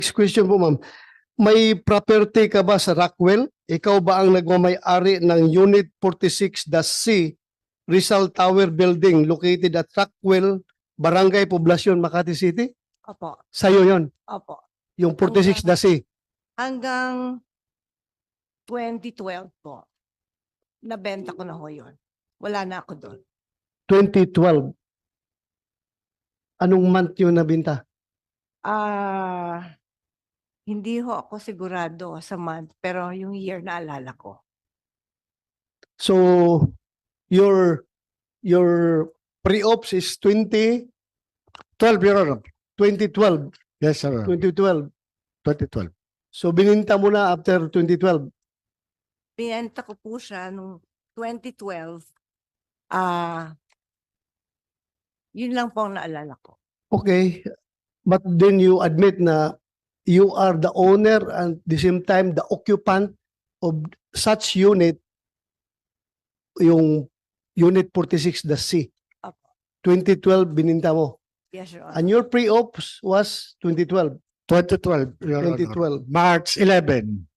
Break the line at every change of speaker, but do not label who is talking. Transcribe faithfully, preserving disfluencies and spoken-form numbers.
Next question po, ma'am. May property ka ba sa Rockwell? Ikaw ba ang nagmamay-ari ng Unit forty-six C Rizal Tower Building located at Rockwell, Barangay Poblacion, Makati City?
Opo,
Sa'yo yon,
opo.
yung forty-six C.
Hanggang twenty twelve po, nabenta ko na ho yun. Wala na ako doon.
twenty twelve. Anong month yun nabinta?
Ah, hindi ho ako sigurado sa month, pero yung year naalala ko.
So, your your pre-ops is twenty
twelve, Your Honor.
twenty twelve.
Yes, sir.
twenty twelve.
twenty twelve.
So, bininta mo na after twenty twelve.
Binenta ko po siya nung twenty twelve. Ah, yun lang po ang naalala ko.
Okay. But then you admit na you are the owner and at the same time the occupant of such unit, yung Unit forty-six C.
Apo.
twenty twelve bininta mo.
Yes, Your Honor.
And your pre-ops was twenty twelve.
twenty twelve, Your
twenty
Honor.
twelve.
March eleventh.